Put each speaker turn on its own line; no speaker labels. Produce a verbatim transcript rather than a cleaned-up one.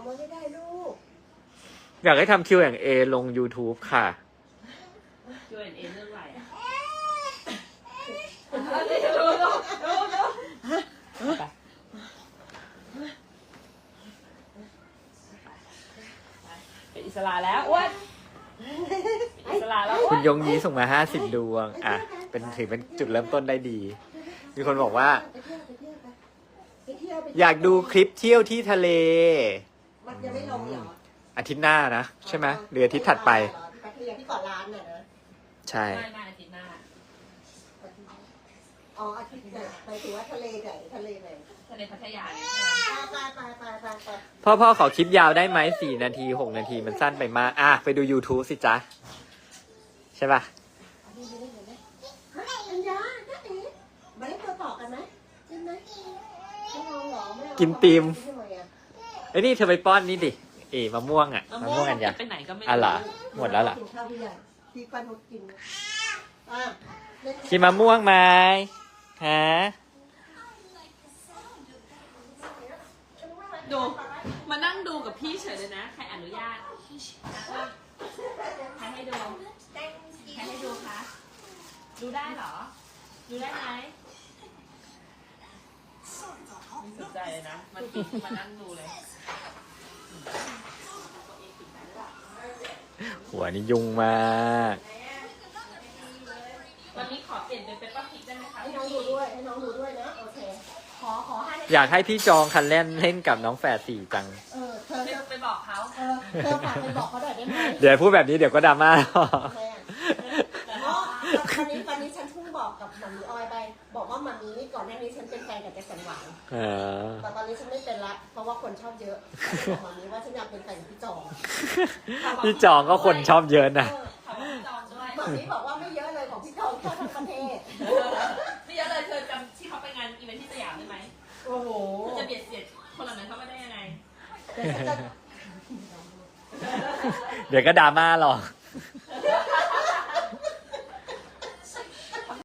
อกมาไม่ได้ลูก
อยากให้ทำ คิว แอนด์ เอ ลง YouTube ค่ะ
คิว แอนด์ เอ เรื่องอะไรอ่ะเป็นอิสระแล้วอ้วนอิสระแล้วอ้ว
คุณ
น
ยงยีส่งมาห้าสิบดวง อ่ะ เป็นถือเป็นจุดเริ่มต้นได้ดี มีคนบอกว่า
ไปเที่ยวไปเที่ยวไปไปเที่ยวไป
อยากดูคลิปเที่ยวที่ทะเล
มันยังไม่ลงเหรอ
อาทิตย์หน้านะ ใช่ไหมหรืออาทิตย์ถัดไป
ไปเที่ยวที่เกาะล้านน่ะนะ
ใช่
ไม่ไม่อาทิตย์หน้า
อ๋ออาทิตย์ไหนไปถือว่าทะเลไหนทะเลไหน
ทะเลพัทยาเนี่ย
ไปไปไปไปไป
พ่อพ่อขอคลิปยาวได้ไหมสี่นาทีหกนาทีมันสั้นไปมาก อ่ะ ไปดู YouTube สิจ๊ะ ใช่ป่ะ
อันนี้ไม่ได้เห็นไหมเฮ้ยอัญญาน้าเอ๋มาเล่นตัวต่อกันไหมใช่ไหมไม่เอาหรอไม่เอา
กินตีม
ทำไมอ่ะ
ไอ้ยนี่เธอไปป้อนนี่ดิ เอ๋มะม่วงอ่ะ
มะ
มะ
ม่
ม่
ว
ว
ง
งอันยา
ไปไหนก็ไม่
อ่ะเหรอ
รู้
หมดแล้วเหรอ
กินข้าวพี่ใหญ่ที่ป้านุชกินอ่ะเล่น
กินมะม่วงไหมฮะ
ดู มานั่งดูกับพี่เฉยเลยนะ ใครอนุญาตใครให้ดู ใครให้ดูคะ ดูได้เหรอ ดูได้ไหมไม่สนใจเลยนะ มันปิดมานั่งดูเลย
หัวนี่ยุ่งมาก
วันนี้ขอเปลี่ยนเป็นเปปเปอร์พริกได้ไหมคะ
ให้น้องดูด้วยให้น้องดูด้วยนะโอเคขอขอให้
อยากให้พี่จองคันเล่นเล่นกับน้องแฝดสี่จัง
เออเธอ
ไป
เธอ
ไปบอกเขา
เออเธอฝากไปบอกเขาหน่อยได้ไหม
เดี๋ยวพูดแบบนี้เดี๋ยวก็ดราม่า
แม่อ๋อตอนนี้ตอนนี้ฉันเพิ่งบอกกับหมามีออยไป บอกว่าหมามีนี่ก่อนหน้านี้ฉันเป็นแฟนกับแจ็คสันหวัง
เออ
แต่ตอนนี้ฉันไม่เป็นละ เพราะว่าคนชอบเยอะบอกหมามีว่าฉันอยากเป็นแฟนกับพี่จอง
พี่จองก็คนชอบเยอะนะ
เออ
เขาบอกจองด้วย
หมามีบอกว่าไม่เยอะเลยของพี่จองแค่ทั้งประเทศ
ไม่เยอะเลยเธอจำที่เขาไปงานอีเวนท์ที่สยามได้ไหม
โอ้โห
เธอจะเบียดเสียดคนเหล่านั้นเข้ามาได้ยังไง
เดี๋ยวฉันจะ
เดี๋ยวก็ดราม่าหรอก